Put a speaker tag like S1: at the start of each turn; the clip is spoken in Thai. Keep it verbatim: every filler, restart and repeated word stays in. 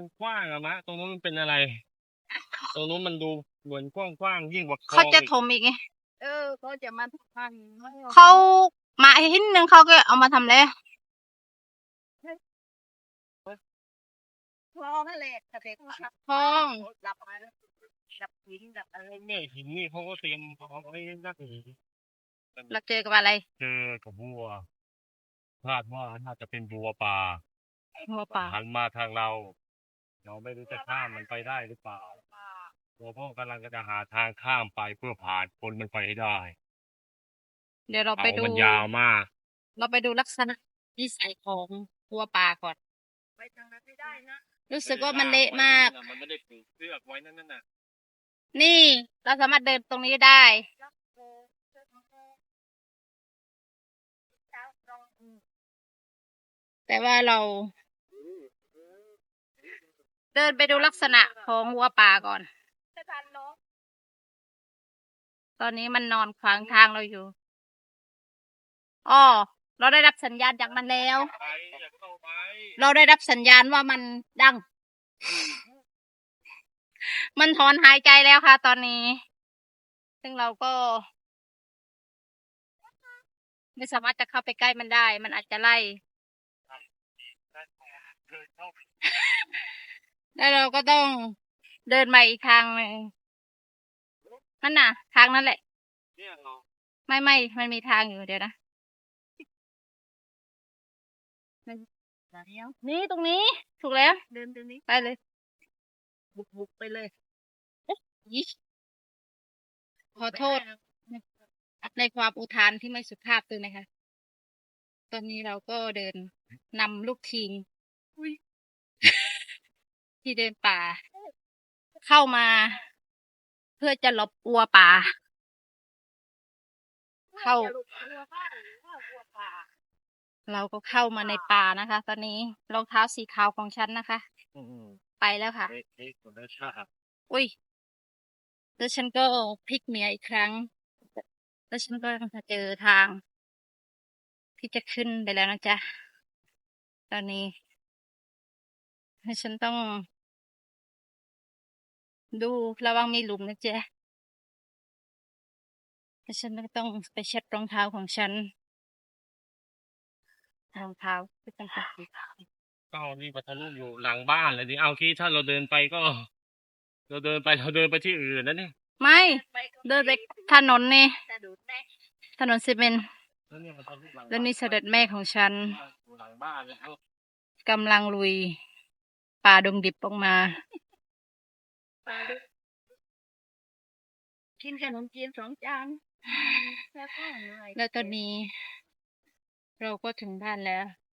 S1: กว้างอะมะตรงนู้นมันเป็นอะไรตรงนู้นมันดูเหมือนกว้างๆยิ่งกว่าคลอ
S2: เขา
S1: ง
S2: จะ
S1: อีก
S2: ถมอีกไง
S3: เออเขาจะมาพัน
S2: เขามาหินหนึ่งเขาก็เอามาทำอะไร
S3: คลองนั่นแหละแต่เด็ก
S2: คลอง
S3: ดับมาแล้วดับหินดับอะไร
S1: แม่หินนี่เขาก็เตรียมพร้อมไว้นักหนี
S2: เราเจอกับอะไร
S1: เจอกับบัวคาดว่าน่าจะเป็นบัวป่า
S2: หัวป่า
S1: หันมาทางเรา เราไม่รู้จะข้ามมันไปได้หรือเปล่าตัวพ่อกำลังจะหาทางข้ามไปเพื่อผ่านคนมันไปให้ได้
S2: เดี๋ยวเราไป
S1: เขา
S2: ดู
S1: มันยาวมาก
S2: เราไปดูลักษณะนิสัยของหัวป่าก่อน
S3: ไปทางนั้นไม่ได้นะ
S2: รู้สึกว่ามันเละมาก
S1: มันไม่ได้ปลูกเลือกไว้นั่นน่ะ
S2: นี่เราสามารถเดินตรงนี้ได้
S3: แล้วโอ้เจ้าของเขาเจ้าตรงอืม
S2: แต่ว่าเรา เดินไปดูลักษณะของวัวป่าก่อน
S3: จะทันเนาะ
S2: ตอนนี้มันนอนขวางทางเราอยู่อ้อเราได้รับสัญญาณจากมันแล้ว
S1: ไปอย่าเข้าไป
S2: เราได้รับสัญญาณว่ามันดัง มันถอนหายใจแล้วค่ะ ตอนนี้ ซึ่งเราก็ ไม่สามารถจะเข้าไปใกล้มันได้ มันอาจจะไล่
S1: เคยเข้าไป
S2: แล้วเราก็ต้องเดินมาอีกทางหนึ่งนั่นน่ะ ทางนั้นแหละ
S1: เนี่ยเหรอ
S2: ไม่ไม่มันมีทางอยู่เดี๋ยวนะ
S3: แล้ว
S2: นี่ตรงนี้ ถูกแล้ว
S3: เดินตรงนี้
S2: ไปเลย
S3: บุกบุกไปเลย
S2: ยิขอโทษ ในความอุทานที่ไม่สุภาพด้วยนะคะ ตอนนี้เราก็เดินนำลูกทีม ที่เดินป่า เข้ามา เพื่อจะหลบวัวป่า เข้า
S3: อย่หลุดกลัวบ้านหรือว่ากลัวป่า
S2: เราก็เข้ามาในป่านะคะ ตอนนี้รองเท้าสีขาวของฉันนะคะ
S1: อืม
S2: ไปแล้วค่ะ
S1: เอ๊ะเอ๊ะคนละชาติ
S2: อุ้ย แล้วฉันก็พลิกเมียอีกครั้ง แล้วฉันก็จะเจอทาง ที่จะขึ้นไปแล้วนะจ๊ะ ตอนนี้แล้วฉันต้อง ดูระวังมีหลุมนะจ๊ะแล้วฉันก็ต้องไปเช็ดรองเท้าของฉัน รองเท้าที่เป็นสีขาว
S1: ก็นี่ปัทลุอยู่หลังบ้านเลยดิเอาคิดถ้าเราเดินไปก็ เราเดินไปเราเดินไปที่อื่นนะเนี่ย
S2: ไม่
S3: ไปก็
S2: เดินไปถนนนี่
S3: จะดูดแน่
S2: ถนนซีเมนต์
S1: แล้วเนี่ยปัทลุหลัง
S2: แล้วนี่เสด็จแม่ของฉัน
S1: อยู่หลังบ้านเลยเอา
S2: กำลังลุย ป่าดงดิบออกมา
S3: ปลาดูกินขนมจีนสองจานแล้วก็เหนื่อย
S2: แล้วตอนนี้ เราก็ถึงบ้านแล้ว